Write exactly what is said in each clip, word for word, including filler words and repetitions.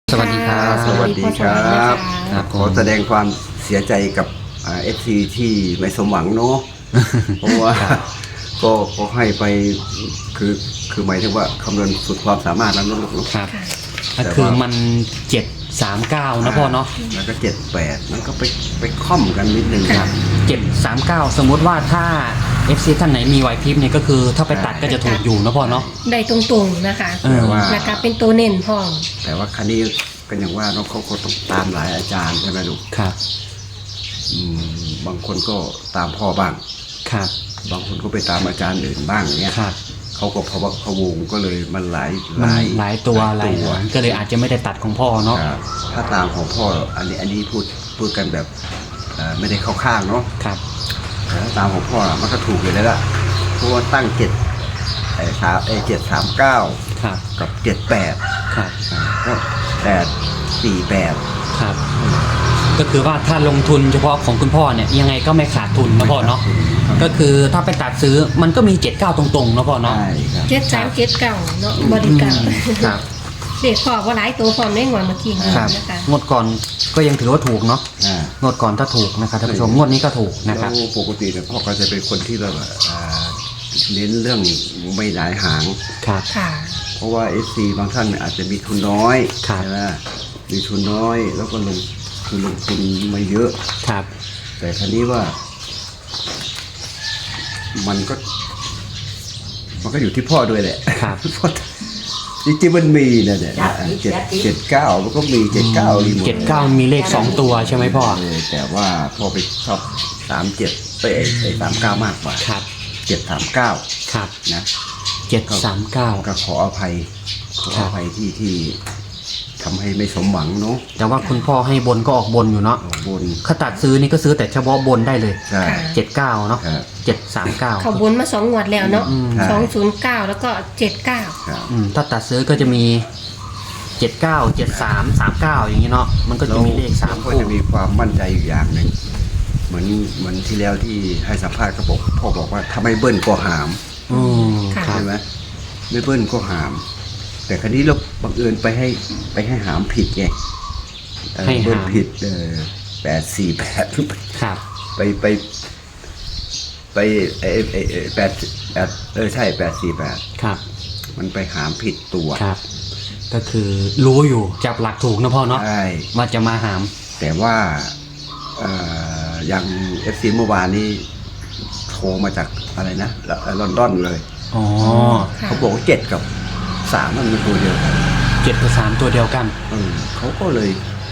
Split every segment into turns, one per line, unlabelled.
สวัสดีครับ
สวัสดีครับ
ครับผม
ขอแสดงความเสียใจกับเอฟซีที่ไม่สมหวังเนาะ เพราะว่าก็ก็ให้ไปคือคือหมายถึงว่าคำนวณสุดความสามารถแล้วนะลูกเนาะ
ครับก็คือมันเจ็ดสามเก้านะพ่อเนาะ
แล้วก็เจ็ดแปดมันก็ไปไปค่อมกันนิดนึง
ครับเจ็ดสามเก้าสมมุติว่าถ้า เอฟ ซี ท่านไหนมีไหวพริบเนี่ยก็คือถ้าไปตัดก็จะถูกอยู่นะพ่อเนาะ
ได้ตรงๆนะคะ
เออ
ว่า
แล้วก็เป็นตัวเน้นพร้อม
แต่ว่าคันนี้ก็อย่างว่าเนาะเขาก็ต้องตามหลายอาจารย์ใช่ไหมลูก
ครับ
อืมบางคนก็ตามพ่อบ้าง
ครับ
บางคนก็ไปตามอาจารย์อื่นบ้างเนี้ย
ครับ
เขาก็พะวักพะวงก็เลยมันหลาย
มันหลายตัวหลาย
ตัว
หางก็เลยอาจจะไม่ได้ตัดของพ่อเนาะ
ครับถ้าตามของพ่ออันนี้อันนี้พูดพูดกันแบบเอ่อไม่ได้เข้าข้างเนาะ
ครับ
แต่ถ้าตามของพ่อน่ะมันก็ถูกเลยแล้วล่ะเพราะว่าตั้งเจ็ดไอ้สามไอ้เจ็ดสามเก้า
ครับ
กับเจ็ดแปด
ครับ
ก็แปดสี่แปด
ครับ ก็คือว่าถ้าลงทุนเฉพาะของคุณพ่อเนี่ยยังไงก็ไม่ขาดทุนนะพ่อเนาะก็คือถ้าไปตัดซื้อมันก็มีเจ็ดเก้าตรงๆนะพ่อเนาะ
ใช่ครับ
เจ็ดสามเจ็ดเก่าเนาะบริการ
ครับ
เด็กพอว่าหลายตัวพร้อมได้งอนเมื่อกี้นี้
ครับ
นะคะ
งวดก่อนก็ยังถือว่าถูกเนาะ
อ่าง
วดก่อนถ้าถูกนะครับท่านผู้ชมงวดนี้ก็ถูกนะค
แล้
รับ
วปกติเนี่ยพ่อก็จะเป็นคนที่แบบว่าอ่าเน้นเรื่องไม่หลายหาง
ครับ
ค่ะ
เพราะว่า เอฟ ซี บางท่านอาจจะมีทุนน้อย
ครับ
ใช่ไหมมีทุนน้อยแล้วก็ลงคือลงทุนมาเยอะ
ครับ
แต่ครั้นี้ว่า มันก็ มันก็อยู่ที่พ่อด้วยแหละ
ครับ
เพราะจริงๆมันมีนะเนี่ยเจ็ดเจ็ดเก้ามันก็มีเจ็ดเก้ารีโมท
เจ็ดเก้ามีเลขสองตัวใช่ไหมพ่อ
เออแต่ว่าพ่อไปชอบสามเจ็ดไปไอ้ไอ้สามเก้ามากกว่า
ครับ
เจ็ดสามเก้า
ครับ
นะ
เจ็ดสามเก้า
ก็ขออภัยขอ
ครั
อบ ภัยที่ที่ทำให้ไม่สมหวังเนาะ
แต่ว่าคุณพ่อให้บนก็ออกบนอยู่เนาะ
บน
ถ้าตัดซื้อนี่ก็ซื้อแต่เฉพาะบนได้เลย
ใช่
เจ็ดเก้าเนาะ
ครับ
เจ็ดสามเก้า
เขาบนมาสองงวดแล้วเนาะ
อืม
สองศูนย์เก้าแล้วก็เจ็ดเก้า
ครับ
อืมถ้าตัดซื้อก็จะมีเจ็ดเก้าเจ็ดสามสามเก้าอย่างนี้เนาะมันก็จะมีเลขสาม
ก็
คู่
จะมีความมั่นใจอยู่อย่างหนึ่งเหมือนเหมือนที่แล้วที่ให้สัมภาษณ์ก็บอกพ่อบอกว่าถ้าไม่เบิ้ลก็หาม
อืมครับ
ใช่ไหมไม่เบิ้ลก็หาม แต่ครั้นี้เราบังเอิญไปให้ไปให้หามผิดไงเออ
ให้
เบิ้ล
หาม
ผิดเออแปดสี่แปด
ครับ
ไปไปไปไอไอไอ้แปดแปดเออใช่แปดสี่แปด
ครับ
มันไปหามผิดตัว
ครับ ก็คือรู้อยู่จับหลักถูกนะพ่อเนาะ
ใช่
ว่าจะมาหาม
แต่ว่าเอ่ออย่างเอฟซีเมื่อวานนี้โทรมาจากอะไรนะลอนดอนเลย
อ๋อ
ค่ะ
เขาบอกว่าเจ็ดกับสามมันเป็นตัวเดียวกัน
เจ็ดกับสามตัวเดียวกัน
เออเขาก็เลย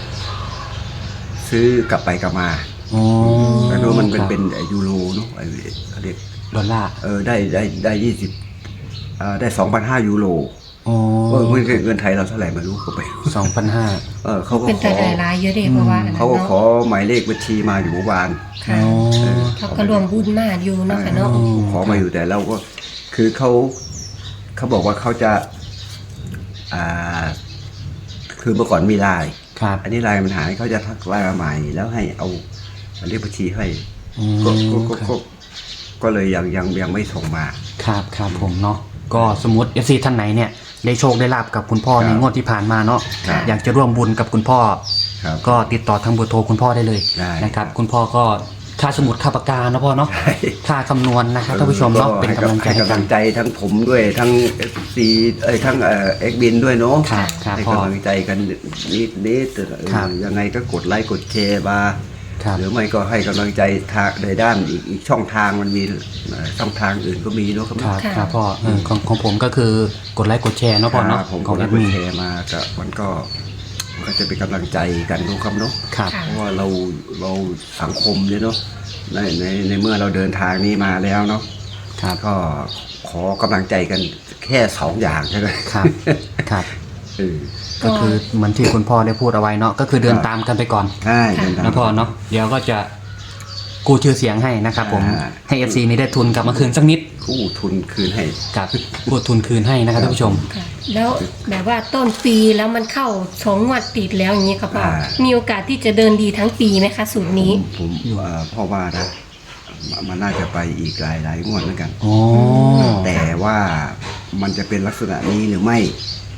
ซื้อกลับไปกลับมา
อ๋อ
แต่ดูมันเป็น
ครับ
เป็นไอ้ยูโรเนาะไอ้เขาเรียก
ดอลลาร์
เออได้ได้ได้ยี่สิบอ่าได้สองพันห้ายูโร
อ๋อ
เออเงินเงินไทยเราเท่าไหร่ไม่รู้ก็ไป
สองพันห้า
เออเขาก็
เป็น
ข
แต่
อ
รายๆเยอะเด็กเพราะว่าอันนั้น
เขาก็
เนาะ
ขอหมายเลขบัญชีมาอยู่เมื่อวาน
ค่ะ
อ๋อ
เขาก็รวมบุญมากอยู่เนาะค่ะเนาะ
อืม
ขอมาอยู่แต่เราก็คือเขาเขาบอกว่าเขาจะ อ่า คือเมื่อก่อนมีไลน์
ครับ
อันนี้ไลน์มันหายเขาจะทักไลน์มาใหม่แล้วให้เอาเลขบัญชีให้
อืม
ก็ก็ก็
ครั
ก็
บ
ก็เลยยังยังยังไม่ส่งมา
ครับครับผมเนาะก็สมมติ เอฟ ซี ท่านไหนเนี่ยได้โชคได้ลาบกับคุณพ่อ
ครับ
ในงวดที่ผ่านมาเนาะ
ครับ
อยากจะร่วมบุญกับคุณพ่อ
ครับ
ก็ติดต่อทางเบอร์โทรคุณพ่อได้เลย
ได้
นะครับ
ครับ
คุณพ่อก็ค่าสมุดค่าปากกานะพ่อเนาะ
ใช่
ค่าคำนวณนะครับท่านผู้ชมเนาะเป็นกำลังใจ
ให้
ให้
กำ
กั
ลั
น
งใจทั้งผมด้วยทั้งเอฟซีเอ้ยทั้งเอ่อเอ็กบินด้วยเนาะ
ครับครับ
ให้
พ่อ
กำลังใจกันนิดนิดเออ
ครับ
ยังไงก็กดไลค์กดแชร์มา
ครับ
หรือไม่ก็ให้กำลังใจทางในด้านอีกอีกช่องทางมันมีเอ่อช่องทางอื่นก็มีเนาะครับ
ครับ
ค่ะ
ครับพ่อเออของของผมก็คือกดไลค์กดแชร์เนาะพ่อเนาะ
ผม
ข
ก็
องแอ
ได้
ด
ก
มิ
ด
น
แชร์มาก็มันก็มันก็จะเป็นกำลังใจกันเนาะครับเนาะ
ครับ
ค่ะ
เพราะว่าเราเราสังคมเนี่ยเนาะในในในเมื่อเราเดินทางนี้มาแล้วเนาะ
ครับ
ก็ขอกำลังใจกันแค่สองอย่างใช่ไหม
ครับครับ
เออ
ก็คือเหมือนที่คุณพ่อได้พูดเอาไว้เนาะก็คือเดิน
ครับ
ตามกันไปก่อน
ใช่เดินทาง
นะพ่อเนาะเดี๋ยวก็จะกู้ชื่อเสียงให้นะครับผม
อ่า
ให้ เอฟ ซี นี้ได้ทุนกลับมาคืนสักนิด
กู้ทุนคืนให้
กับกู้ทุนคืนให้นะครับท่านผู้ชม
ค่ะแล้วแบบว่าต้นปีแล้วมันเข้าสองงวดติดแล้วอย่างนี้ครับพ่อ
อ่า
มีโอกาสที่จะเดินดีทั้งปีไหมคะสูตรนี้
ผมเอ่อพ่อว่านะมันมันน่าจะไปอีกหลายหลายงวดเหมือนกัน
โอ้
แต่ว่ามันจะเป็นลักษณะนี้หรือไม่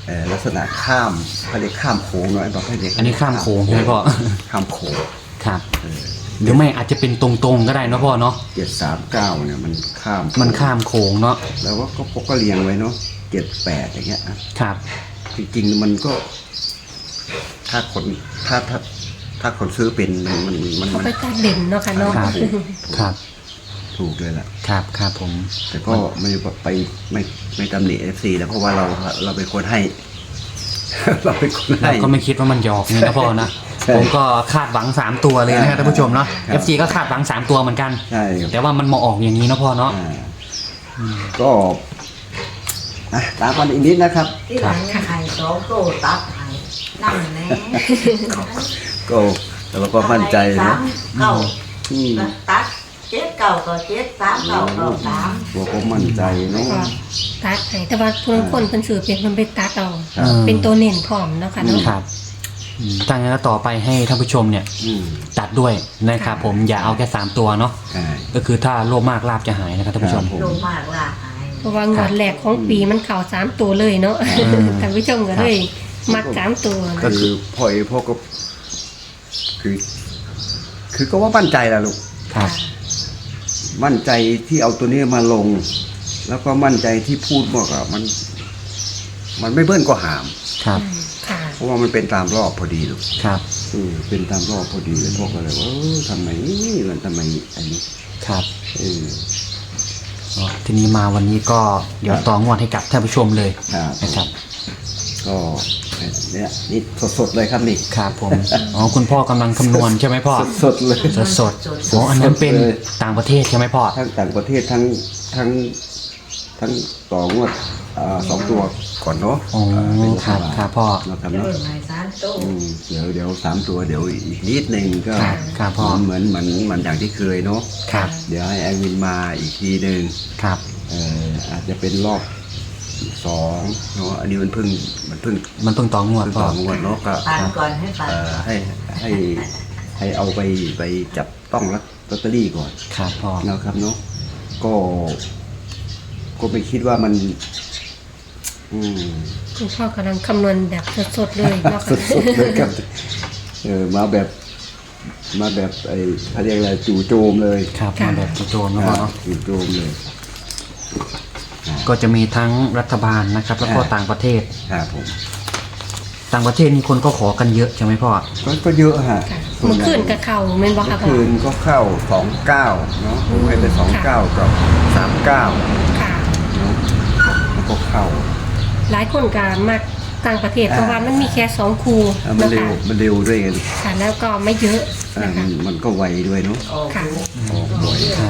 เอ่อลักษณะข้ามเขาเรียกข้ามโค้งเนาะไอ้ประเภทนี้
อันนี้ข้ามโค้งใช่ไหมพ่อ
ข้ามโค้ง
ครับหรือไม่อาจจะเป็นตรงๆก็ได้เนาะพ่อเนาะ
เจ็ดสามเก้าเนี่ยมันข้าม
มันข้ามโค้งเนาะ
แล้วก็ก็ก็เรียงไว้เนาะเจ็ดแปดอย่างเงี้ยนะครับ จริงๆมันก็ ถ้าคนถ้าถ้าถ้าคนซื้อเป็นมันมันมัน
เขา
มัน
ไปตัดเด่นเนาะค่ะเนาะ
ครับ ครับ
ถูกเลยล่ะ
ครับครับผม
แต่ก็ไม่ไปไม่ไม่ตำหนิเอฟซีแล้วเพราะว่าเราเราเป็นคนให้ เราเป็นคน
เรา
ให้
ก็ไม่คิดว่ามันจะออกนี่นะพ่อนะ
ใช่
ผมก็คาดหวังสามตัวเลยนะครับท่านผู้ชมเนาะ
ครับ
เอฟซีก็คาดหวังสามตัวเหมือนกัน
ใช่ครับ
แต่ว่ามันมาออกอย่างนี้นะพ่อเนาะ
อ่าก็อ่ะตามกันอีกนิดนะครับ
ที่หลังไข่สองโตตัดไข่นั่งแน่
ก็เราก็มั่นใจ
สา
นะ
มเก้า
อืม
ตัดเจ็ดเก้าก็เจ็ดสามเก้าเก้าสาม
เราก็มั่นใจเนาะ
ก็ตัดให้แต่ว่าผู้ลางคนเป็นสื่อเป็นคนไปตัดเอา
ครับ
เป็นตัวเน้นพร้อมเนาะค่ะเนาะ
ครับอืมถ้างั้นก็ต่อไปให้ท่านผู้ชมเนี่ย
อืม
ตัดด้วยนะครับผมอย่าเอาแค่สามตัวเนาะ
ใช่
ก็คือถ้าโลภมากลาบจะหายนะครับท่านผู้ชม
ครับผม
ลงมากล่ะหาย
เพราะว่างวดแรกของปีมันเข่าสามตัวเลยเนาะ
อืม
ท่านผู้ชมก็เลยมักสามตัว
ก็
นะ
คือพ่อเอพ่อก็ คือ คือก็ว่ามั่นใจแหละลูก
ครับ
มั่นใจที่เอาตัวนี้มาลง แล้วก็มั่นใจที่พูดบอกอะมัน มันไม่เบิ้ลก็หาม
ครับ
อืมค่ะ
เพราะว่ามันเป็นตามรอบพอดีลูก
ครับ
อืมเป็นตามรอบพอดีเลยพ่อก็เลยว่าเออทำไมมันทำไมอันนี้
ครับ
เออ
อ๋อทีนี้มาวันนี้ก็เดี๋ยวต่องวดให้กับท่านผู้ชมเลย
ครับ
นะครับ
ก็เนี่ยนี่สดๆเลยครับนี่
ครับผมอ๋อคุณพ่อกำลังคำนวณใช่ไหมพ่อ
สดๆเลย
สดสดๆอ๋ออันนั้นเป็น
สดเลย
ต่างประเทศใช่ไหมพ่อ
ทั้งต่างประเทศทั้งทั้งทั้งต่องวดอ่าสองตัวก่อนเนาะ
อ๋อ
อ่าเป็น
ครับครับพ่อ
นะครับ
เริ่
เนาะ
มไงสามโต
อืมเดี๋ยวเดี๋ยวสามตัวเดี๋ยวอีกนิดนึงก็
ครับครับพ่อ
เหมือนเหมือนเหมือนอย่างที่เคยเนาะ
ครับ
เดี๋ยวให้แอดมินมาอีกทีหนึ่ง
ครับ
เอ่ออาจจะเป็นรอบสองเนาะอันนี้มันเพิ่งมันเพิ่ง
มันเพิ่งต่องวด
เพิ่ง
พ่อ
ต่องวดเนาะก็
ปานก่อนให้ปาน
เอ่อให้ให้ให้เอาไปไปจับต้องลอตเตอรี่ก่อน
ครับพ่อ
นะครับเนาะก็ก็ไม่คิดว่ามัน อืม
คุณพ่อกำลังคำนวณแบบสดๆเลยเนาะ
สุ
ค่ะ
ดๆเลยครับเออมาแบบ มาแบบไอ้เขาเรียกอะไรจู่โจมเลย
ครับมาแบบโจมๆนะพ่อเนาะ
จู่โจมเลย
ก็จะมีทั้งรัฐบาลนะครับ แล้วก็
อ่า
ต่างประเทศ
ครับผม
ต่างประเทศนี่คนก็ขอกันเยอะใช่ไหมพ่อ
ก็ก็เยอะฮะ
ค่ะ
ส่ว
เมื่อ
ใหญ่
คืนกับเข่าเม่นบ่
เมื่
ค่ะ
อ
พ่อ
คืนก็เข้าสองเก้าเนาะผมให้ไปสองเก้ากับสามเก้า
ค่ะ
เนาะมันก็เข้า
หลายคนก็มักต่างประเทศ
อ่า
เพราะว่ามันมีแค่สองคู
อ่ะมัน
เนาะ
เร็ว
ค่ะ
มันเร็วด้วยไง
ค่ะแล้วก็ไม่เยอะ
อ่า
นะ
มั
คะ
นมันก็ไวด้วยเนาะ
ออก
ค่ะ
ดู
ออกบ่อย
ครับ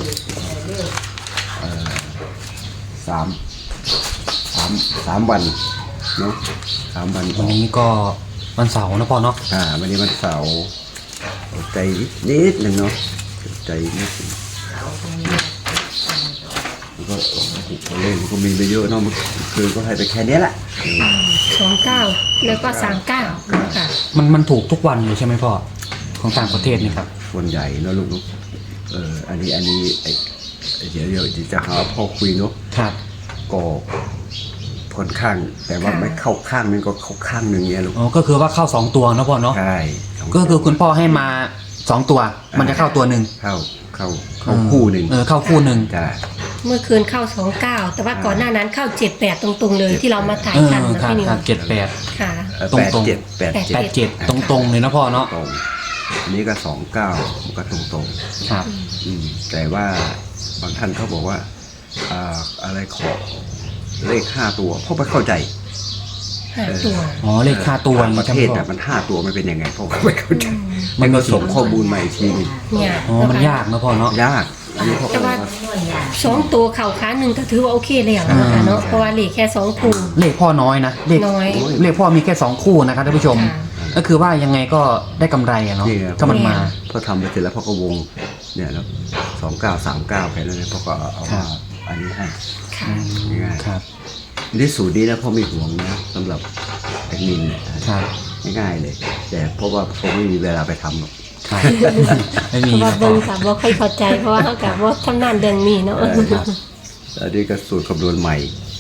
สามสามสามวันเนาะสามวันอ
วัน
อก
นี้ก็วันเสาร์นะพ่อเนาะ
อ่าวันนี้วันเสาร์อดใจนิดนิดหนึ่งเนาะอดใจนิดหนึ่ง
เอาตรงนี้
แล้วก็ตัวเลขมันก็มีไปเยอะเนาะมันคือก็ให้ไปแค่เนี้ยแหละ
สองเก้าแล้วก็สามเก้าค่ะ
มันมันถูกทุกวันเลยใช่ไหมพ่อของต่างประเทศนี่ครับ
ส่วนใหญ่เนาะลูกเนาะเอออันนี้อันนี้ไอ้ไอ้เดี๋ยวเดี๋ยวจะหาพ่อคุยเนาะ
ครับ
ก็ค่อนข้าง แต่ว่าไม่เข้าข้างนึงก็เข้าข้างหนึ่งเนี้ยลูก
อ๋อก็คือว่าเข้าสองตัวนะพ่อเนาะ
ใช่สง
ก็คือคุณพ่อให้มาสองตัว มันจะเข้าตัวหนึ่ง
เข้าเข้าเข้าคู่หนึ่ง
เออเข้าคู่หนึ่ง
ใช่
เมื่อคืนเข้าสองเก้าแต่ว่าก่อนหน้านั้นเข้าเจ็ดแปดตรงๆเลยที่เรามาถ่าย
เออ
กันนะครับ พี่นิว
ครับเจ็ดแปด
ค่ะ
เออ
ตรง
แปด
ตรง
เจ็ดแปดเจ็ด
แปดเจ็ดตรงตรงๆเลยนะพ่อเนาะ
ตรงอันนี้ก็สองเก้ามันก็ตรงตรง
ครับ
ๆอืมแต่ว่าบางท่านเขาบอกว่าอ่าอะไรขอเลขห้าตัวพ่อไม่เข้าใจ
ห้าตัว
อ๋อเลขค่าตัวอย่าง
ป
นี้
ระ
ใช่
เท
ไหม
ศ
พ่อ
แต่มันห้าตัวมันเป็นยังไงพ่อก็ไม่เข้าใจ
มั
มัน น
มี
ก็ส่งข้อมูลมาอีกทีหนึง
เนี่ย
อ๋อมันยากนะพ่อเนาะ
ยากอันนี้พ่อก็
แต่ว่า
นวดยา
สองตัวเข่าขาหนึ่งก็ถือว่าโอเคแล้วนะคะเนาะเพราะว่าเหลือแค่สองคู
เลขพ่อน้อยนะเลข
น้อย
เลขพ่อมีแค่สองคู่นะครับท่านผู้ชม
ค่ะ
ก็คือว่ายังไงก็ได้กำไรอะเนาะ
นี่ไง
ถ้ามันมา
พอทำไปเสร็จแล้วพ่อก็วงเนี่ยแล้วสองเก้าสามเก้าแค่นั้นเลยพ่อก็เอา
ครั
มา
บ
อันนี้ให้
ค่ะ
ง่ายๆ
ครับ
นี่สูตรนี้นะพ่อไม่ห่วงนะสำหรับแอดมินเนี่ย
ครับ
ง่ายๆเลย แต่เพราะว่าผมไม่มีเวลาไปทำหรอก
ครับไม่
เพ
มี
ราะว่า
นะพ่
เบิ่
อง
กับว่าค่อยเข้าใจเพราะว่าเขากับว่าทำนานเดือนนี้เนาะ
เออครับอันนี้ก็สูตรคำนวณใหม่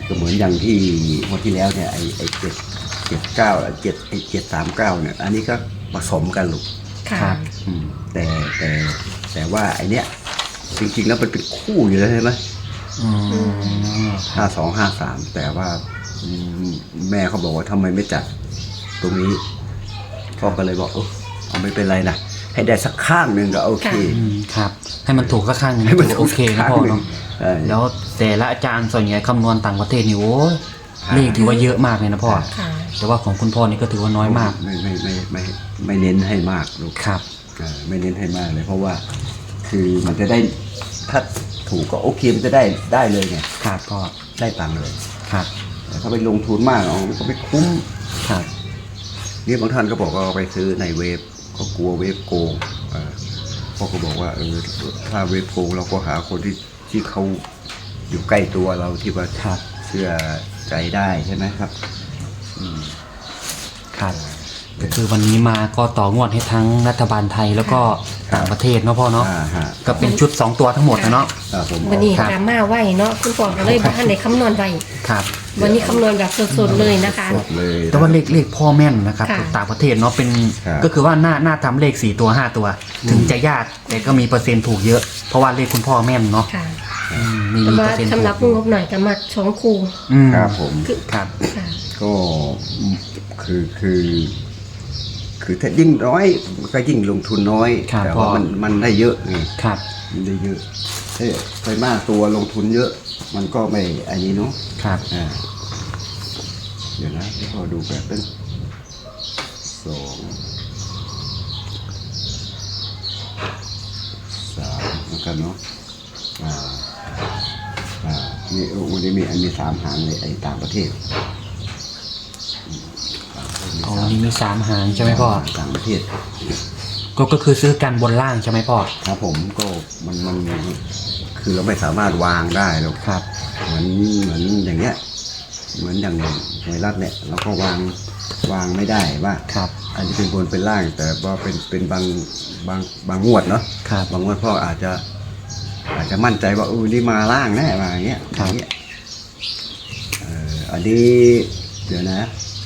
ก็เหมือนอย่างที่วันที่แล้วเนี่ยไอ้ไอ้เจ็ดเจ็ดเก้าเจ็ดไอ้เจ็ดสามเก้าเนี่ย อันนี้ก็ผสมกันลูก
ค่ะ
ครับ
อืมแต่แต่แต่ว่าไอเนี้ยจริงๆแล้วมันเป็นคู่อยู่แล้วใช่ไหม
อืม
ห้าสองห้าสามแต่ว่าอืมแม่เขาบอกว่าทำไมไม่จัดตรงนี้พ่อก็เลยบอกเออเอาไม่เป็นไรนะให้ได้สักข้างหนึ่งก็โอเค
อืมครับ ให้มันถูกสักข้างหนึง
ให้มัน
ถือ
ถู
โอก เคนะ
ข้าง
พ่อ
หนึ่ง
เนาะ
เออ
แล้วแต่ละอาจารย์ส่วนใหญ่คำนวณต่างประเทศนี่โอ้ย
ครับ
เลขถือว่าเยอะมากเลยนะพ่อ
ค่ะ
แต่ว่าของคุณพ่อนี่ก็ถือว่าน้อยมาก
ไม่ไม่ไม่ไม่ไม่ไม่เน้นให้มากลูก
ครับ
เออไม่เน้นให้มากเลย เพราะว่าคือมันจะได้ถ้าถูกก็โอเคมันจะได้ได้เลยไง
ครับพ่อ
ได้ตังค์เลย
ครับ
แต่ถ้าไปลงทุนมากเอามันก็ไม่คุ้ม
ครับ
นี่บางท่านก็บอกว่าเอาไปซื้อในเว็บก็กลัวเว็บโกงเออพ่อก็บอกว่าเออถ้าเว็บโกงเราก็หาคนที่ที่เขาอยู่ใกล้ตัวเราที่ว่า
ครับ
เชื่อใจได้ใช่ไหมครับอืม
ครับก็คือวันนี้มาก็ต่องวดให้ทั้งรัฐบาลไทยแล้วก็ต่างประเทศเนาะพ่อเนาะ
อ่าฮะ
ก็เป็นชุดสองตัวทั้งหมดนะเนาะ
อ่าผม
วันนี้
ครับ
ดราม่าไว้เนาะคุณพ่อก็เลยบ่ทันได้คำนวณไว้
ครับ
วันนี้คำนวณแบบสดๆเลยนะคะ
สดเลยนะ
แต่ว่าเลขเลขพ่อแม่นนะครับ
ค่ะ
ต่างประเทศเนาะเป็น
ครับ
ก็คือว่าหน้าหน้าทำเลขสี่ตัวห้าตัว ถึงจะยากแต่ก็มีเปอร์เซ็นต์ถูกเยอะ เพราะว่าเลขคุณพ่อแม่นเนาะ
ค่ะ
อืมมี
แต่
มี
ว่า
เปอร์เซ็นต์
สำหรับ
ถู
ง
ก
บหน่อยก็มักสองคู
อืม
ครับผม
ครับ
ค่ะ
ก็คือคือ คือถ้ายิ่งน้อยก็ยิ่งลงทุนน้อย
ครับ
แต่ว่า
พ่อ
มันมันได้เยอะไง
ครับ
มันได้เยอะเอ้ยไปมากตัวลงทุนเยอะ มันก็ไม่อันนี้เนาะ
ครับ
อ่าเดี๋ยวนะที่พอดูแบบเป็นสองสามเหมือนกันเนาะอ่าอ่านี่โอ้วันนี้มีอันมีสามหางเลยไอ้ต่างประเทศอืมต่างประเทศมี
อ๋อ
สาม
นี่มีสามหางใช่ไหมพ่อ
ต่างประเทศ
ก็ก็คือซื้อกันบนล่างใช่ไหมพ่อ
ครับผมก็มันมันคือเราไม่สามารถวางได้หรอก
ครับ
เหมือนเหมือนอย่างเงี้ยเหมือนอย่างไวรัสเนี่ยเราก็วางวางไม่ได้ว่า
ครับ
อันนี้เป็นบนเป็นล่าง แต่ว่าเป็นเป็นบางบางบางงวดเนาะ
ครับ
บางงวดพ่ออาจจะ อาจจะมั่นใจว่าเออนี่มาล่างแน่มาอย่างเงี้ย
ครับ
อย่างเงี้ยเอ่ออันนี้เดี๋ยวนะ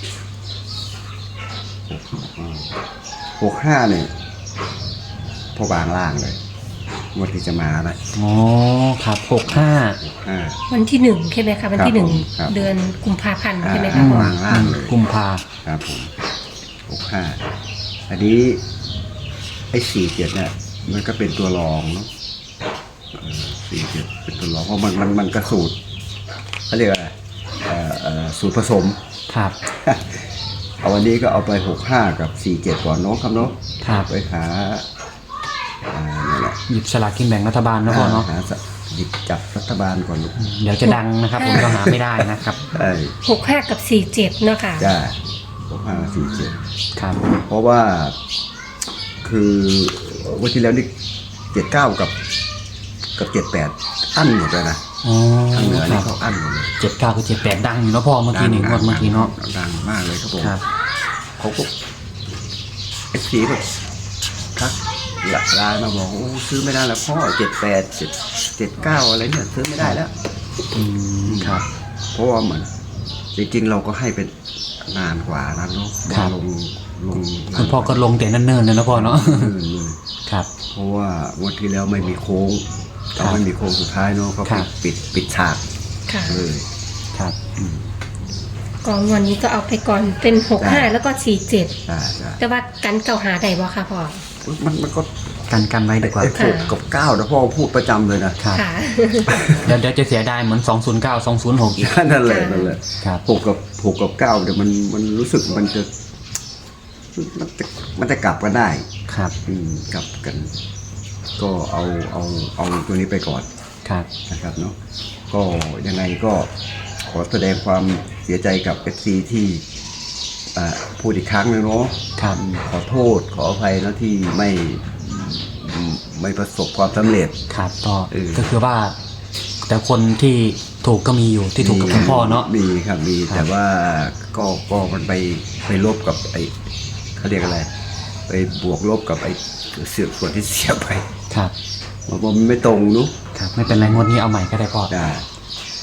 หกห้าเนี่ยพ่อวางล่างเลยงวดที่จะมานะ
อ๋อครับหกห้า
อ่า
วันที่หนึ่งใช่ไหมคะวันที่หนึ่ง
ครับ
เดือนกุมภาพันธ์
อ่า
ใช่ไหมคะพ่อ
วางล่างเลย
กุมภา
ครับผมหกห้าอันนี้ไอ้สี่เจ็ดเนี่ยมันก็เป็นตัวรองเนาะสี่เจ็ดเป็นตัวรองเพราะมันมันมันกระสูตรเขาเรียกอะไรเอ่อเอ่อสูตรผสม
ครับ
เอาวันนี้ก็เอาไปหกห้ากับสี่เจ็ดก่อนเนาะครับเนาะ
ครับ
ไปหาอ่านี่นแหละ
หยิบสลากกินแบ่งรัฐบาลนะพ่อเนาะ
หาสหยิบจับรัฐบาลก่อนลูก
เดี๋ยวจะดังนะครับ ผมก็หาไม่ได้นะครับ
ไอ้
หกห้ากับสี่เจ็ดเนาะค่ะ
จ้าหกห้าสี่เจ็ด
ครับ
เพราะว่าคือวันที่แล้วนี่เจ็ดเก้ากับกับเจ็ดแปดอั้นหมดเลยนะ
อ๋อ
ทางเหนือ
ค
นี่
รับ
เขาอั้นหมดเลย
เจ็ดเก้าคือเจ็ดแปดดังอยู่เนาะพ่อเมื่อกี้หนึ่งงวดเมื่อกี้เนาะ
ดังมากเลยครับผม
ครับ
เขาก็เอฟซีแบบทักหลักไลน์มาบอกโอ้ซื้อไม่ได้แล้วพ่อเจ็ดแปดเจ็ดเจ็ดเก้าอะไรเนี่ยซื้อไม่ได้แล้ว
อืมครับ
เพราะว่าเหมือนจริงๆเราก็ให้เป็นนานกว่านั้นเนาะ
ครับ
ลงลง
คุณพ่อก็ลงแต่เนิ่นๆเลยนะพ่อเนาะ
เออเลย
ครับ
เพราะว่างวันที่แล้วไม่มีโค้ง
ครั
เรา
บ
ไม่มีโค้งสุดท้ายเนาะก็
ครั
ปิ
บ
ดปิดปิดฉาก
ค่ะ
เลย
ครับ
กองวันนี้ก็เอาไปก่อนเป็นหกห้าแล้วก็สี่เจ็ด
ใช่ใช่
แต่ว่ากันเก่าหาได้บ่ค่ะพ่อ
มันมันก็
กันกันไว้ดีกว่า
ไอ้หกกับเก้านะพ่อพูดประจำเลยนะครับ
ค่ะ
เดี๋ยวเดี๋ยวจะเสียดายเหมือนสองศูนย์เก้า สองศูนย์หกอีก
นั่นแหละนั่นแหละ
ครับ
หกกับหกกับเก้าเดี๋ยวมันมันรู้สึกมันจะมันจะมันจะกลับกันได้
ครับ
อืมกลับกัน ก็เอาเอาเอาตัวนี้ไปก่อน
ครับ
นะครับเนาะก็ยังไงก็ขอแสดงความเสียใจกับเอฟซีที่อ่าพูดอีกครั้งหนึงเนาะ
ครับ
ขอโทษขออภัยนะที่ไม่อืมไม่ประสบความสำเร็จ
ครับก็
เออ
ก็คือว่า แต่คนที่ถูกก็มีอยู่ที่ถูกกับคุณพ่อเนาะ
มีครับมี
ครับ
แต่ว่าก็ก็มันไปไปลบกับไอ้เขาเรียกอะไร ไปบวกลบกับไอ้เสือกส่วนที่เสียไป
ครับ
มันมันไม่ตรงเนุ๊
ครับ ไม่เป็นไรงวดนี้เอาใหม่ก็ได้พ่อ
จ้า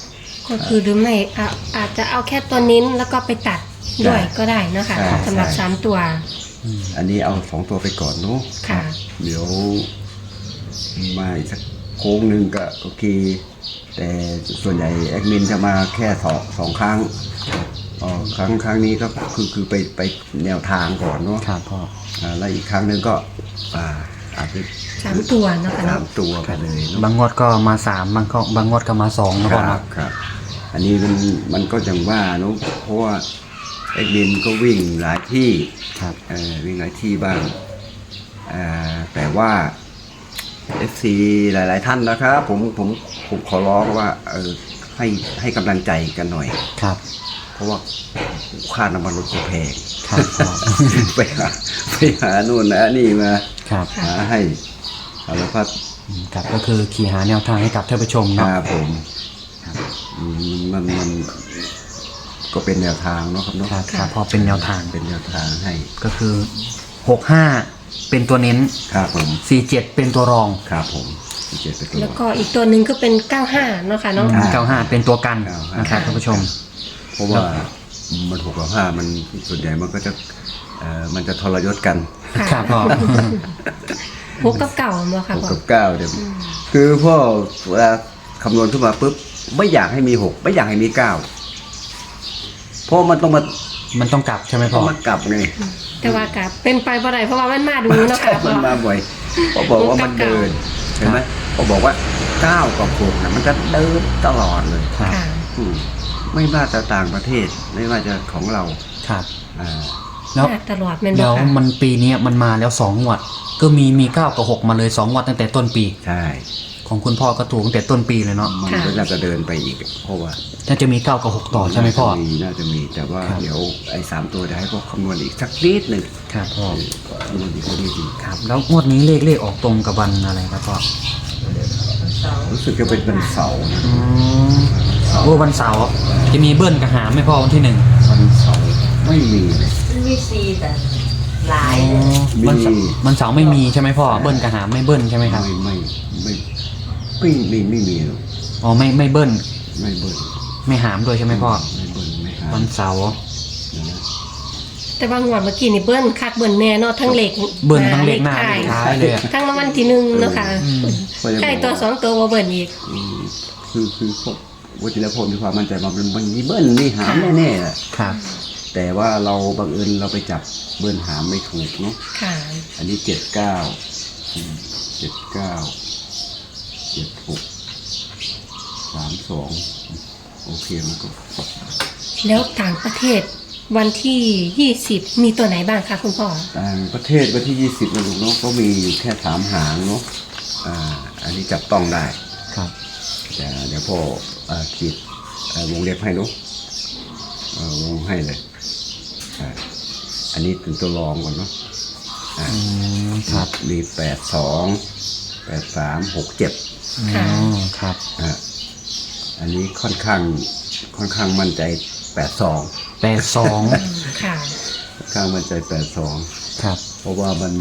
ก็คือหรือไม่อ่ะอาจจะเอาแค่ตัวนิ้นแล้วก็ไปตัดด้วยก็ได้นะคะ
ใช่
สำหรับ
ใช่
สามตัว
อันนี้เอาสองตัวไปก่อนเนาะ
ค่ะ
เดี๋ยวมาอีกสักโค้งหนึ่งก็โอเค แต่ส่วนใหญ่แอดมินจะมาแค่สองสองครั้งอ๋อครั้งครั้งนี้ก็คือคือไปไปแนวทางก่อนเนาะ
ครับพ่อ
อ่าแล้วอีกครั้งหนึ่งก็อ่าอาจจะ
สามตัวเนาะค่ะ
สา
เนาะ
มตัวไปเลยเนาะ
บางงวดก็มาสามบางก็บางงวดก็มาสองนะ
ค
พ่อ
รั
เนาะ
บครับ อันนี้มันมันก็อย่างว่าเนาะเพราะว่าแอดมินก็วิ่งหลายที่
ครับ
เออวิ่งหลายที่บ้างอ่าแต่ว่า เอฟ ซี หลาย ๆ ท่านนะครับผมผมผมขอร้องว่าเออให้ให้กำลังใจกันหน่อย
ครับ
เพราะว่าค่าน้ำมันรถก็แพง
ครับพ่อ
ไปหาไปหานู่นนะนี่มา
ครับ
หาให้สารพัด
อืมครับก็คือขี่หาแนวทางให้กับท่านผู้ชม
ค
เนาะ
รับผมอืมมันมันก็เป็นแนวทางเนาะครับเนาะ
ครับครับพอเป็นแนวทาง
เป็นแนวทางให้
ก็คือหกห้าเป็นตัวเน้น
ครับผม
สี่เจ็ดเป็นตัวรอง
ครับผมที่เจ็ดเป็นตัว
แล้วก็อีกตัวหนึ่งก็เป็นเก้าห้าเนาะค่ะเนาะ
เก้าห้าเป็นตัวกัน
เก้าห้าน
นะครับท่านผู้ชม
เพราะว่ามันหกกับห้ามันส่วนใหญ่มันก็จะเอ่อมันจะทรยศกัน
ค่ะ
ครับพ่อ
หกกับเก่าเนาะค่ะ
หก
พ่อ
กับเก้าเดี๋ยวคือพ่อเวลาคำนวณขึ้นมาปุ๊บไม่อยากให้มีหกไม่อยากให้มีเก้าเพราะมันต้องมา
มันต้องกลับใช่ไหมพ่
ต้
อ
องมากลับไง
แต่ว่ากับเป็นไปบ่ได้เพราะว่ามันมาดูเนาะค่ะพ่
มั
อน
มาบ่อยพอบอกว่ามันเดินเห็นไหมพอบอกว่าเก้ากับหกนะมันจะเดินตลอดเลย
ครับ
ค่ะ
อืมไม่ว่าจะต่างประเทศไม่ว่าจะของเรา
ครับ
ม
อ่า
แล้ว
าตลอดแม่นบ่
แล้ว
ค่ะ
มันปีเนี้ยมันมาแล้วสองงวด ก็มีมีเก้ากับหกมาเลยสองงวดตั้งแต่ต้นปี
ใช่
ของคุณพ่อก็ถูกตั้งแต่ต้นปีเลยเนาะ
มันก็น่าจะเดินไปอีกเพราะว่า
น่าจะมีเก้ากับหกต่อใช่ไหมพ่อ
น่าจะมีน่าจะมีแต่ว่า
ครับ
เดี๋ยวไอ้สามตัวจะให้พวกคำนวณอีกสักนิดหนึ่ง
ครับพ่อ
คำนวณอีกสักนิดหนึ่ง
ครับ แล้วงวดนี้เลขเลขออกตรงกับวันอะไรครับพ่อ
รู้สึกจะเป็นวันเสาร์นะ
อืมโอ้วันเสาร์จะมีเบิ้ลกับหามไหม่พอวันที่หนึ่ง
วันเสาร์ไม่มีเลย
มันมีซีแต่หลาย
อ๋อ
เลย
วันเสาร์
มี
วันเสาร์ไม่มีใช่ไหมพ่อเบิ้ลกับหามไม่เบิ้ลใช่ไหมครับ
ไม่ไม่ไม่ไม่ไม่ไม่มีหรอก
อ๋อไม่ไม่เบิ้ล
ไม่เบิ้ล
ไม่หามด้วยใช่ไหมพ่อ
ไม่เบิ้ลไม่หา
วันเสาร์
นะ
แต่บางงวดเมื่อกี้นี่เบิ้ลคักเบิ้ลแน่เนาะทั้งเหล็ก
เบิ้ลทั้งเลขหน้า
ท้
เลขท้ายเลยอะ
ทั้งรางวัลที่หนึ่งเนาะค่ะ
ก็ยัง
ใกล้
บอก
ตัวสองตัวบ่เบิ้ลอีก
อืมคือคือพวกวัชิรพลมีความมั่นใจว่ามันมันมีเบิ้ลมีหามแน่ๆแหละ
ครับ
แต่ว่าเราบังเอิญเราไปจับเบิ้ลหามไม่ถูกเนาะ
ค่ะ
อันนี้เจ็ดเก้าเจ็ดเก้าเจ็ดหกสามสองโอเคมันก็
แล้วต่างประเทศวันที่ยี่สิบมีตัวไหนบ้างคะคุณพ่อ
ต่างประเทศวันที่ยี่สิบนะลูกเนาะก็มีอยู่แค่สามหางเนาะอ่าอันนี้จับต้องได้
ครับ
แต่เดี๋ยวพ่ออ่าขีดอ่าวงเล็บให้เนาะอ่าวงให้เลยอ่าอันนี้เป็นตัวรองก่อนเนาะอ่า
อืมครับ
มีแปดสองแปดสามหกเจ็ด
อ๋อครับ
อ่าอันนี้ค่อนข้างค่อนข้างมั่นใจแปดสอง
แปดสอง
ค่ะ
ค่อนข้างมั่นใจแปดสอง
ครับ
เพราะว่ามัน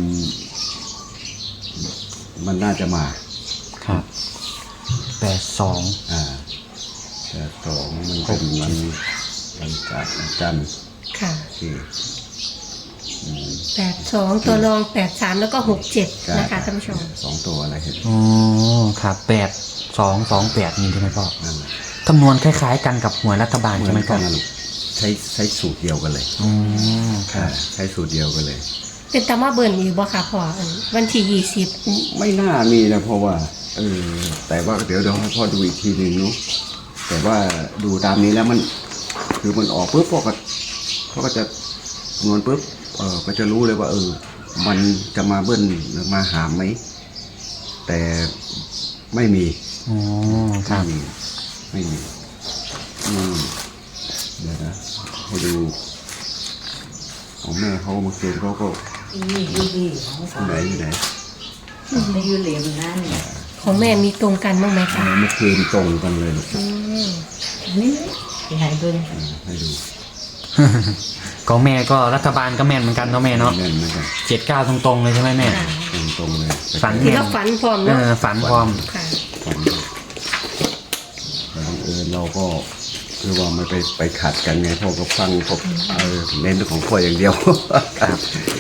มันน่าจะมา
ครับแปดสอง
อ่าแปดสองมันเป็นวันวันจันทร์วันจันทร์
ค่ะ
ที่อืม
แปดสองตัวรองแปดสามแล้วก็หกเจ็ด
ใช่
นะคะท่านผู้ชม
สองตัวอะไรเห็น
อ๋อครับแปดสองสองแปดนี่ใช่ไหมพ่อ
นั่นแหละ
คำนวณคล้ายๆกันกับหวยรัฐบาล
เหมื
ใช่
อ
ไหม
น
พ่
กั
อน
นะลูกใช้ใช้สูตรเดียวกันเลย
อ๋อค
อ่า
รับ
ใช้สูตรเดียวกันเลย
เป็นตามาเบิ้ลอีกบ่ค่ะพ่ออันวันที่ยี่สิบ
ไม่น่ามีนะเพราะว่าเออแต่ว่าเดี๋ยวเดี๋ยวให้พ่อดูอีกทีหนึ่งเนาะแต่ว่าดูตามนี้แล้วมัน คือมันออกปุ๊บพ่อก็พ่อก็จะคำนวณปุ๊บเออก็จะรู้เลยว่า เออ มันจะมาเบิ้ลหรือมาหามไหมแต่ไม่มี
อ๋อค
ไม่
รับ
มีไม่มีอืมเดี๋ยวนะให้ดูของแม่เขาเมื่อคืนเขาก็
นี่ยูดีของ
ที่
เขา
ไหนที่ไหน
ในยูเหลี่ยมนั่นเนี่ย
ของแม่มีตรงกันบ้างไหมคะ
เมื่อคืนตรงกันเลยลูก
อืม
นี่ที่ไหนเบิ่ง
อ่าให้ดู
ของแม่ก็รัฐบาลก็แม่นเหมือนกันเนาะแม่เนาะ
แน่นเหมือนกัน
เจ็ดเก้าตรงๆเลยใช่ไหมแม่
ค่ะ
ตรงตรงๆเลย
ฝัน
ที่เราฝันพร้อม
เอ
เนาะ
อฝันพร้อม
ค่ะ
ฝันแต่บังเอิญเราก็คือว่าไม่ไปไปขัดกันไงพ่อก็ฟังก็เออเน้นเรื่องของพ่ออย่างเดียว
ครับ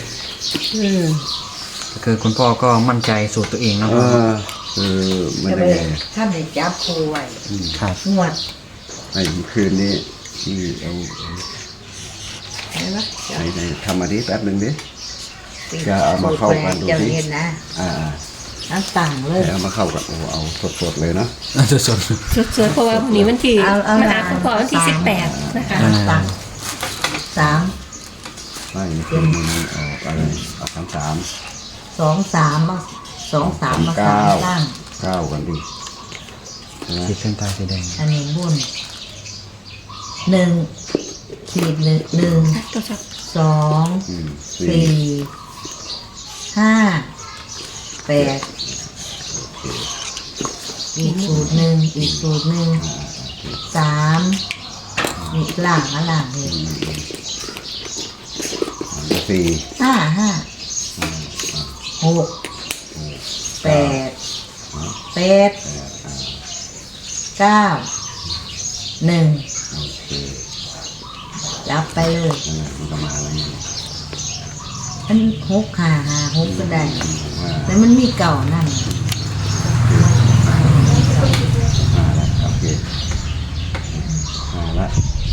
ก็คือคุณพ่อก็มั่นใจสูตรตัวเองนะ
เอ
พ่อ
อคือมัน
จะ
ได้
ไป
ไง
ท่านได้จับครูไว้
ครับ
งวด
ไอ้คืนนี้ที่เอา
เห็นไหม
ไหนไหนทำมาดิแป๊บหนึ่งดิ จะเอามาเข้ากันดูสิ
เจ้าเห็นนะ
อ่า
น้ำต่างเล
ๆ
ย
เอามาเข้ากันโอ้เอาสดๆเลยเนาะ
สด
สวยๆเพราะว่าวันนี้วันที่
เอาเอา
มาหาคุณพ่อวันที่
เอา
สิบแปดนะคะ
อ่า
ต่างสาม
ไม่คืนนี้ออกอะไรออกสามสาม
สองสามมาสองสามมาสา
เก้าม
ตั้ง
เก้ากันดิใช่ไหม
ขีดเส้นใต้สีแดง
อันนี้บุญหนึ่งขีดหนึ่งหนึ่ง
ตัวสับ
สอง
อืมสี่
สี่ห้าแปดอีกสูตรหนึ่งอีกสูตรหนึ่งสามนี่ล่างอะล่างนี่
สี่
ห้าห้าหกแปดแปดเก้าหนึ่ง
โอเค
จับไปเลย
นั่นแหละมันก็มาแล้วไง
อันหกห้าห้าหกก็ได้
ว่า
แต่มันมีเก่านั่น
มาแล้วโอเคมาแล้ว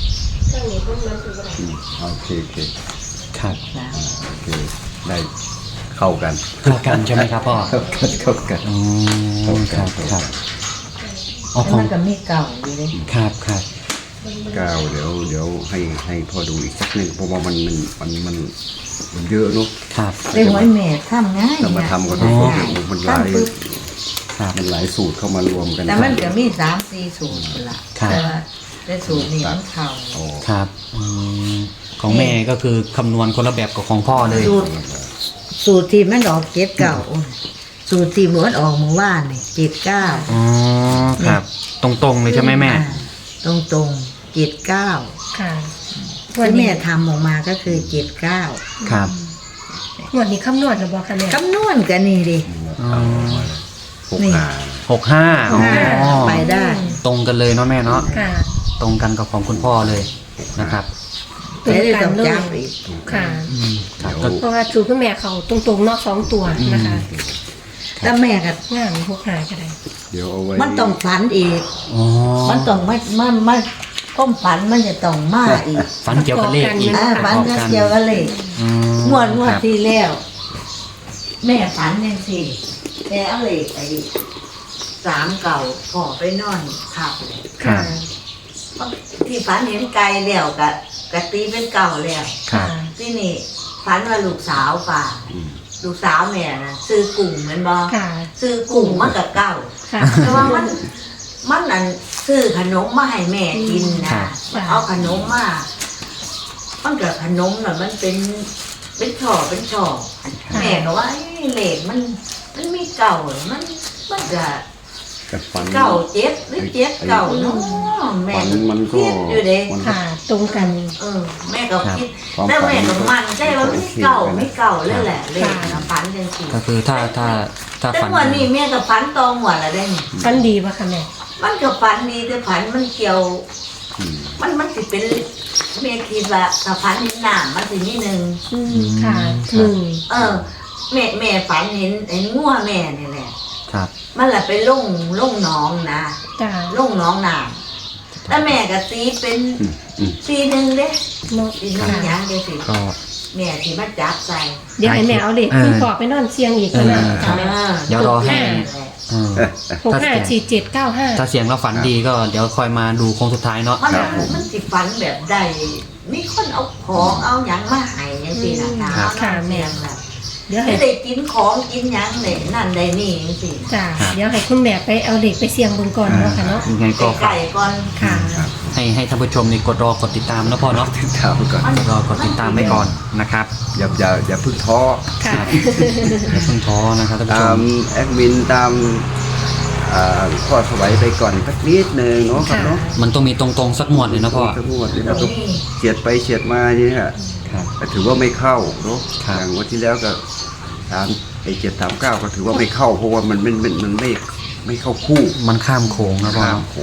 อืมโอเคโอเค
ครับ
จ้ะ
อ่าโอเคได้เข้ากัน
เข้ากันใช่ไหมครับพ่อ
เข้ากันเข้ากัน
อ๋อครับครับอ๋อ
แต่
ของ
มันก็มีเก่าอยู่เลย
ครับครับ
ก้าวเดี๋ยวเดี๋ยวให้ให้พ่อดูอีกสักหนึ่งเพราะว่ามันมันมันมันมันเยอะเนอะ
ครับ
ได้หวยแม่ทำง่าย
แต่มาทำกัน
ง่าย
ทุก
ง่าย
คนมันหลาย
ทำปุ๊บ
ครับ
มันหลายสูตรเข้ามารวมกัน
แต่มันก็มีสามสี่สูตรละ
ครับ
แต่ว่าแต่สูตรนี้มันเข่า
โอ้
ครับอืมของแม่ก็คือคำนวณคนละแบบกับของพ่อเลย
สูตรสูตรที่มันออกเจ็ดเก่าสูตรที่หมดออกเมื่อวานนี่เจ็ดเก้า
อ๋อครับ ตรงๆเลยใช่ไหมแม่
ตรงตรงเจ็ดเก้า
ค่ะ
ที่แม่ทำออกมาก็คือเจ็ดเก้า
ครับ
วันนี้คำนวณหรือบอกคะแม่
คำนวณกันนี่ดิ
เอามาหก
นี่
หา
หกห้าอ๋อ
ไปได้
ตรงกันเลยเนาะแม่เนาะ
ค่ะ
ตรงกันกับของคุณพ่อเลยนะครับ
ตรง
ไม่ได้
กั
ต้อน ง
เลย
จำอีก
ค่ะ
อืมครับ
เดี๋
ก็
ยว
เพราะว่าสูตรคุณแม่เขาตรงๆเนอกสองตัวนะคะ
แล้วแม่ก็
งามพวกหายก็ได้
เดี๋ยวเอาไว้
มันต้องฝันอีก
อ๋อ
มันต้องไม่มันมันก้มฝันมันจะต้องมาอีก
ฝันเกี่ยวกับเลขอีก
อ่าฝันก็เกี่ยวกันเลย
อืม
งวดงวด
ครับ
ที่แล้ว แม่ฝันยังสิแม่เอาเลยไอ้สามเก่าก่อไปนอนขับเลย
ครับ
ที่ฝันเห็นไกลแล้วกะกะตีเป็นเก่าแล้ว
ครับ
ที่นี่ฝันว่าลูกสาวป่า
อืม
ลูกสาวแม่นะซื้อกุ้งเหมือนบอ
ค่ะ
ซื้อกุ้งมากับเก่า
ค่ะ
แต่ว่ามันมันนั่นซื้อขนมมาให้แม่กิน
ครั
นะ
บ
เอาขนมมามันกับขนมน่ะมันเป็นเป็นช่อเป็นช่อแม่ก็ว่าไอ้เหล็กมัน มันมีเก่ามันมันจะ
กับฟัน
เก่าเจ็บหรือเจ็บเก่าเนาะแม่
ฟันมันก็
คิดอยู่เด้
มันก็
ค่ะ ตรงกัน
เออ แม่ก็คิด
ครับ
แต่แม่ก็มันใจว่าไม่เก่าไม่เก่าเลยแหละเลย
ค่ะ
นะฝันจังสิ
ก็คือถ้าถ้าถ้า
แต่
ฝัน
วันนี้แม่ก็ฝันตองหัวละได้นี่
ฟันดีป่ะคะแม่
มันก็ฝันดีแต่ฝันมันเกี่ยว
อืม
มันมันสิเป็นแม่คิดว่าถ้าฝันเห็นหน้ามันสินิดนึง
อืมค่ะหนึ่ง
เออ แม่แม่ฝันเห็นเห็นงัวแม่นี่แหละ
ครับ
มันแหละไปลงลงหน้องนะ
จ้า
ลงหน้องน้ำแต่แม่ก็ตีเป็น
อืมอืม
ตีหนึ่งเด้
เนาะ
ตีหนึ่งหยังเดียวสิ
ก็
แม่ที่มาจับใส่
เดี๋ยวให้แม่เอาเด็ก
เออ
คุณพ่อไปนอนเชียงอีก
เออ
นะ
ครั
ค่ะ
บ
แม่
เดี๋ยวรอให้
นั่นแหละ
เออ
หกห้าสี่เจ็ดเก้าห้า
ถ้าเสียงเราฝันดีก็เดี๋ยวคอยมาดูโค้งสุดท้ายเนาะ
มันมันสิฝันแบบใดมีคนเอาของเอาหยังมาให้ยังสินะค
ครั
ะ
บ
ค่ะแม่
แบบ
เดี๋ยวให้
ไม่ได้กินของกินหยังเลยนั่นได้นี่ยังสิ
จ้าเดี๋ยวให้คุณแม่ไปเอาเด็กไปเสี่ยงเบนก่อนเนาะค่ะเนาะ
ยังไงก็ฝา
ไก่
ก
ก่อน
ค่ะ
ให้ให้ท่านผู้ชมนี่กดรอกดติดตามนะพ่อเนาะ
ติดตามก่อน
กดรอกดติดตามไว้ก่อนนะครับ
อย่าอย่าอย่าเพิ่งท้อ
ค่ะ
อย่าเพิ่งท้อนะครับท่านผู้ช
ตาม
ม
แอดมินตามอ่าข้อสวัยไปก่อนสักนิดหนึ่งเนาะครับ
ค่ะ
เนาะ
มันต้องมีตรงๆสักหมวดเลยนะพ่อ
ทั้งหมดนี่เราก็เฉียดไปเฉียดมานี่ฮะ
ครับ
แต่ถือว่าไม่เข้าเนาะ
ครับ
อย่างวันที่แล้วก็สามไอ้เจ็ดสามเก้าก็ถือว่าไม่เข้าเพราะว่ามันมันมันมันไม่ไม่เข้าคู่
มันข้ามโขงนะพ่อ
ข้าม
เนาะ
โขง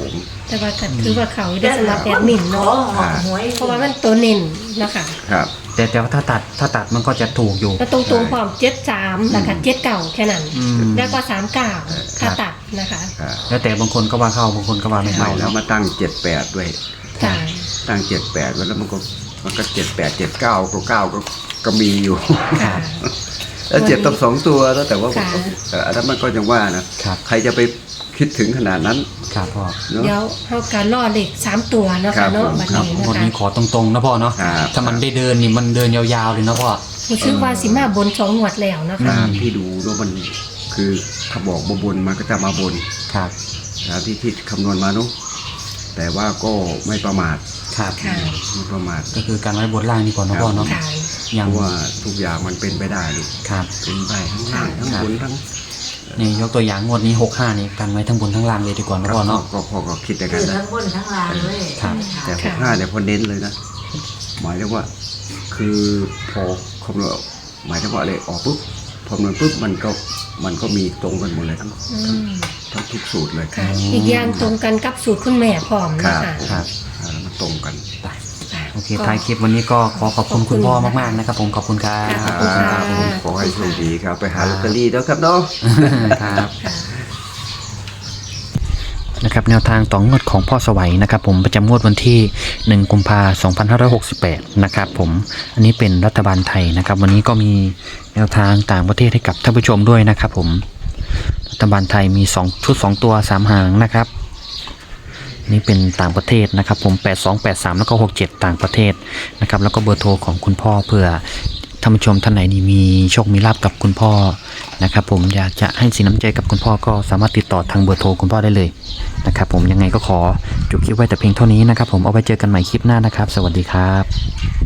แต่ว่าก็ถือว่าเขาได้สำหรับแอดมิน
ขอ
เนาะ
หอหวย
เพราะว่ามันตัวเน้นเนาะค่ะ
ครับ
แต่แต่ว่าถ้าตัดถ้าตัดมันก็จะถูกอยู่
แล้วตรงๆความเจ็ดสามนะคะเจ็ดเก่าแค่นั้น
อืม
แล้วก็สามเก่าถ้าตัดนะคะ
ครับ
แล้วแต่บางคนก็ว่าเข้าบางคนก็ว่าไม่
ใหม่
เข้า
แล้วมาตั้งเจ็ดแปดด้วย
ค่ะ
ตั้งเจ็ดแปดไว้แล้วมันก็มันก็เจ็ดแปดเจ็ดเก้าก็เก้าก็ก็มีอยู่
ค่ะ
แล้วเจ็ดต้องสองตัวแล้วแต่ว่า
ค่ะ
เอ่ออันนั้นมันก็ยังว่านะครับ ใครจะไปคิดถึงขนาดนั้น
ครับพ่อ
เนาะ
เดี๋ยวเขาการล่อเหล็กสามตัวเนาะ
ครั
ค่ะ
บ
เนาะ
ผม
บัด
ครับ
นี้
ง
นะ
วด
คะ
นี้ขอตรงๆนะพ่อเนาะ
ครับ
ถ้ามันได้เดินนี่มันเดินยาวๆเลยนะพ่อ
รู้สึกว่าสิมาบนสองงวดแล้วนะ
ตา
คะ
มที่ดูแล้วมันคือถ้าบอกมาบนมันก็จะมาบน
ครับ
นะที่ที่คำนวณมาเนุะแต่ว่าก็ไม่ประมาท
ครับ
ค่ะ
ไม่ประมาท
ก็คือการไว้บนล่างดีกว่านะพ่อเนาะ
ค่ะ
อย่า
เพ
ง
ราะว่าทุกอย่างมันเป็นไปได้ลูก
ครับ
เป็นไปทั้งล่างทั้ง
ครับ
บนทั้ง
นี่ยกตัวอย่างงวดนี้หกห้านี่กันไว้ทั้งบนทั้งล่างเลยดีกว่านะพ่อเนาะ
ก็พอก็คิดอย่าง
คื
นั้น
อ
นะ
ทั้งบนทั้งล่างเลย
ครับ
แต่หกห้าเนี่ยพอเน้นเลยนะหมายถึงว่า คือพอคำนวณหมายถึงว่าอะไรออกปุ๊บพอคำนวณปุ๊บมันก็มันก็มีตรงกันหมดเลยทั้ง
อื
ทั้ง
ม
ทั้งทุกสูตรเลย
ค่ะ อีกอย่างตรงกันกับสูตรคุณแม่พร้อม
ครั
นะ
บ
คะ
ครับ
อ่าแล้วมันตรงกัน
ไป
ค่ะ
โอเคท้ายคลิปวันนี้ก็ขอขอบคุณคุณพ่อมากๆนะครับผมขอบคุณครับ
ขอบคุณค่ะ
ผมขอให้โชคดีครับ ไปหาลอตเตอรี่แล้วครับเนาะ
ครับ
ค่ะ
นะครับแนวทางต่องวดของพ่อสวัยนะครับผมประจำงวดวันที่หนึ่งกุมภาพันธ์สองพันห้าร้อยหกสิบแปดนะครับผมอันนี้เป็นรัฐบาลไทยนะครับวันนี้ก็มีแนวทางต่างประเทศให้กับท่านผู้ชมด้วยนะครับผมรัฐบาลไทยมีสองชุดสองตัวสามหางนะครับนี่เป็นต่างประเทศนะครับผมแปดสอง แปดสามแล้วก็หกเจ็ดต่างประเทศนะครับแล้วก็เบอร์โทรของคุณพ่อเผื่อท่านผู้ชมท่านไหนนี่มีโชคมีลาภกับคุณพ่อนะครับผมอยากจะให้สินน้ำใจกับคุณพ่อก็สามารถติดต่อทางเบอร์โทรคุณพ่อได้เลยนะครับผมยังไงก็ขอจบคลิปไว้แต่เพียงเท่านี้นะครับผมเอาไว้เจอกันใหม่คลิปหน้านะครับสวัสดีครับ